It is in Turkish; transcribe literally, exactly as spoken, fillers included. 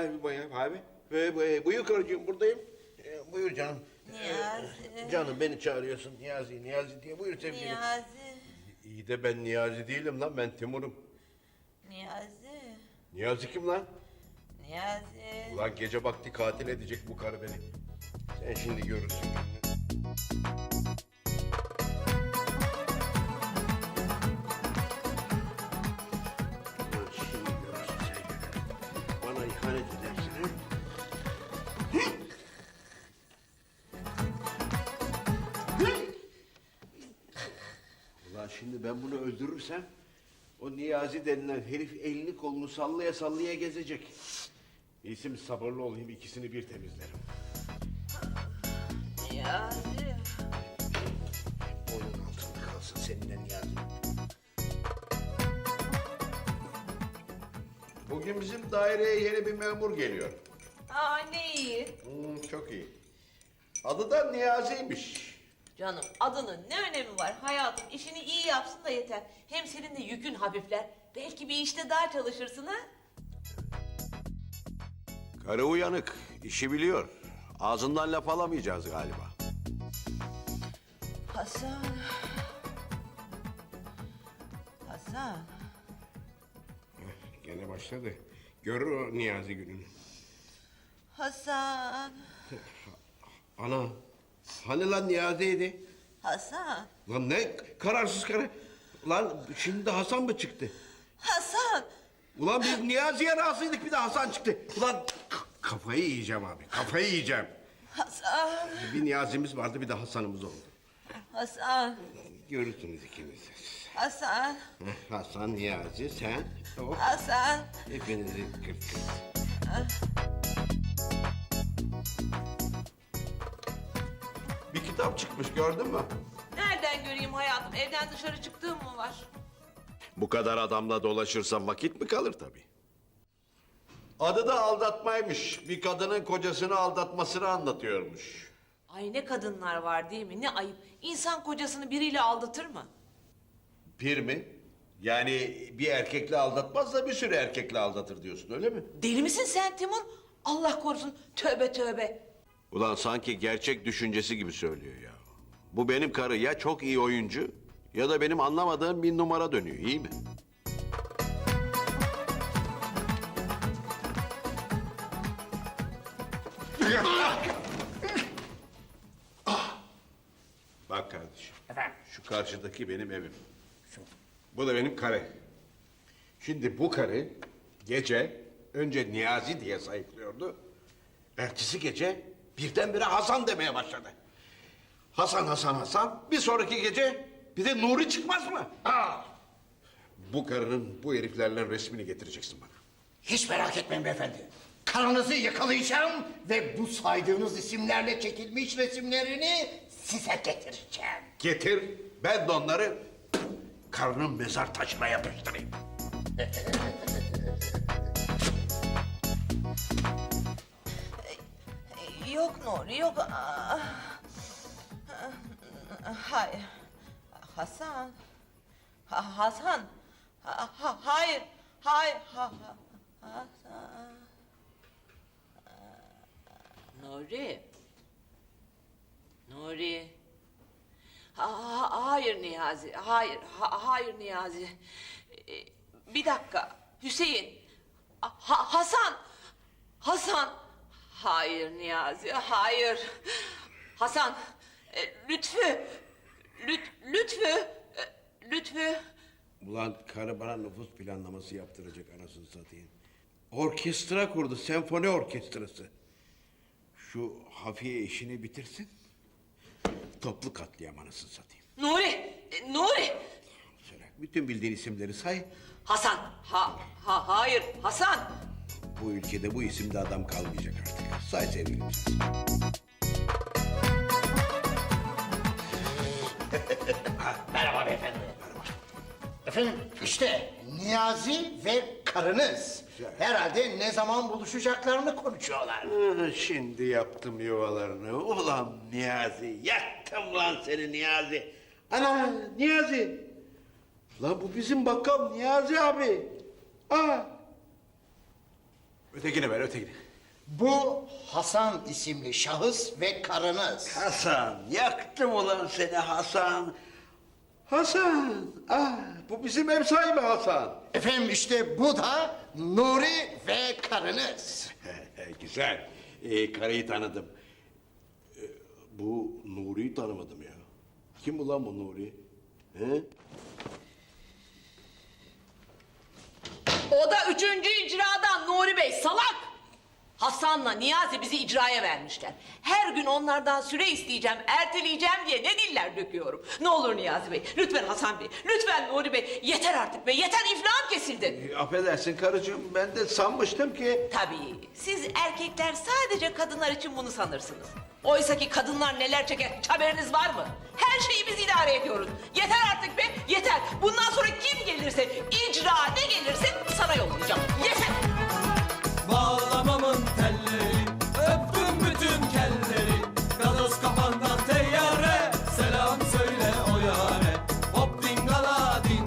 abi, buyur abi. Ee, bu- Buyur karıcığım, buradayım. Ee, Buyur canım. Niyazi. Ee, Canım beni çağırıyorsun Niyazi, Niyazi diye. Buyur sevgilim. Niyazi. İyi de ben Niyazi değilim lan, ben Timur'um. Niyazi. Niyazi kim lan? Niyazi. Ulan gece vakti katil edecek bu karı beni. Sen şimdi görürsün. Ulan şimdi görürsün sen günü. Bana ihanet edersin ha? Ulan şimdi ben bunu öldürürsem o Niyazi denilen herif elini kolunu sallaya sallaya gezecek. İyisi sabırlı olayım, ikisini bir temizlerim. Niyazi. Onun altında kalsın seninle Niyazi. Bugün bizim daireye yeni bir memur geliyor. Aa ne iyi. Hmm, çok iyi. Adı da Niyazi'ymiş. Canım adının ne önemi var hayatım, işini iyi yapsın da yeter. Hem senin de yükün hafifler. Belki bir işte daha çalışırsın ha. Karı uyanık, işi biliyor. Ağzından laf alamayacağız galiba. Hasan. Hasan. Gene başladı. Görür o Niyazi gününü. Hasan. Ana, hani lan Niyazi'ydi? Hasan. Lan ne kararsız karı. Lan şimdi de Hasan mı çıktı? Hasan. Ulan biz Niyazi'ye razıydık, bir de Hasan çıktı. Ulan k- kafayı yiyeceğim abi, kafayı yiyeceğim. Hasan. Bir Niyazi'miz vardı, bir de Hasan'ımız oldu. Hasan. Görürsünüz ikiniz. Hasan. Heh, Hasan, Niyazi, sen, o. Hasan. Hepinizi kırt kırt. Bir kitap çıkmış, gördün mü? Nereden göreyim hayatım? Evden dışarı çıktığım mı var? Bu kadar adamla dolaşırsan vakit mi kalır tabii? Adı da aldatmaymış. Bir kadının kocasını aldatmasını anlatıyormuş. Ay ne kadınlar var değil mi? Ne ayıp. İnsan kocasını biriyle aldatır mı? Bir mi? Yani bir erkekle aldatmaz da bir sürü erkekle aldatır diyorsun, öyle mi? Deli misin sen Timur? Allah korusun. Tövbe tövbe. Ulan sanki gerçek düşüncesi gibi söylüyor ya. Bu benim karı ya çok iyi oyuncu ya da benim anlamadığım bir numara dönüyor, iyi mi? Bak kardeşim. Efendim? Şu karşıdaki benim evim. Bu da benim karı. Şimdi bu karı gece önce Niyazi diye sayıklıyordu. Ertesi gece birdenbire Hasan demeye başladı. Hasan, Hasan, Hasan. Bir sonraki gece bir de Nuri çıkmaz mı? Aa, Bu karının bu heriflerle resmini getireceksin bana. hiç merak etmeyin beyefendi. Karınızı yakalayacağım ve bu saydığınız isimlerle çekilmiş resimlerini size getireceğim. Getir, ben de onları karının mezar taşına yapıştırayım. Yok Nuri yok. Aa. Hayır. Hasan. Ha- Hasan. Ha- ha- hayır. Hayır. Ha- ha- Hasan. Nuri. Nuri. Ha- ha- hayır Niyazi. Hayır. Ha- hayır Niyazi. Ee, bir dakika. Hüseyin. Ha- Hasan. Hasan. Hayır Niyazi. Hayır. Hasan. e, Lütfü. Lüt, Lütfü. e, Lütfü. Ulan karı bana nüfus planlaması yaptıracak anasını satayım. Orkestra kurdu, senfoni orkestrası. Şu Hafiye işini bitirsin. Toplu katliam anasını satayım. Nuri. e, Nuri. Söyle, bütün bildiğin isimleri say. Hasan. Ha, ha, hayır. Hasan. Bu ülkede bu isimde adam kalmayacak artık. Say sevgilim. Merhaba beyefendi. Efendim işte Niyazi ve karınız. Güzel. Herhalde ne zaman buluşacaklarını konuşuyorlar. Ah, Şimdi yaptım yuvalarını. Ulan Niyazi, yaktım lan seni Niyazi. Ana Niyazi. Lan bu bizim bakkal Niyazi abi. Aa. Ötekini ver, ötekini. Bu Hasan isimli şahıs ve karınız. Hasan, yaktım ulan seni Hasan. Hasan, ah, bu bizim ev sahibi Hasan. Efendim işte bu da Nuri ve karınız. Güzel, ee, karıyı tanıdım. Ee, bu Nuri'yi tanımadım ya. Kim ulan bu Nuri? He? O da üçüncü icradan Nuri Bey salak. Hasan'la Niyazi bizi icraya vermişler. Her gün onlardan süre isteyeceğim, erteleyeceğim diye ne diller döküyorum. Ne olur Niyazi Bey, lütfen Hasan Bey, lütfen Nuri Bey. Yeter artık be, yeter iflahım kesildi. Ee, affedersin karıcığım, ben de sanmıştım ki... Tabii, siz erkekler sadece kadınlar için bunu sanırsınız. Oysa ki kadınlar neler çeker, hiç haberiniz var mı? Her şeyi biz idare ediyoruz. Yeter artık be, yeter. Bundan sonra kim gelirse, icra ne gelirse sana yollayacağım.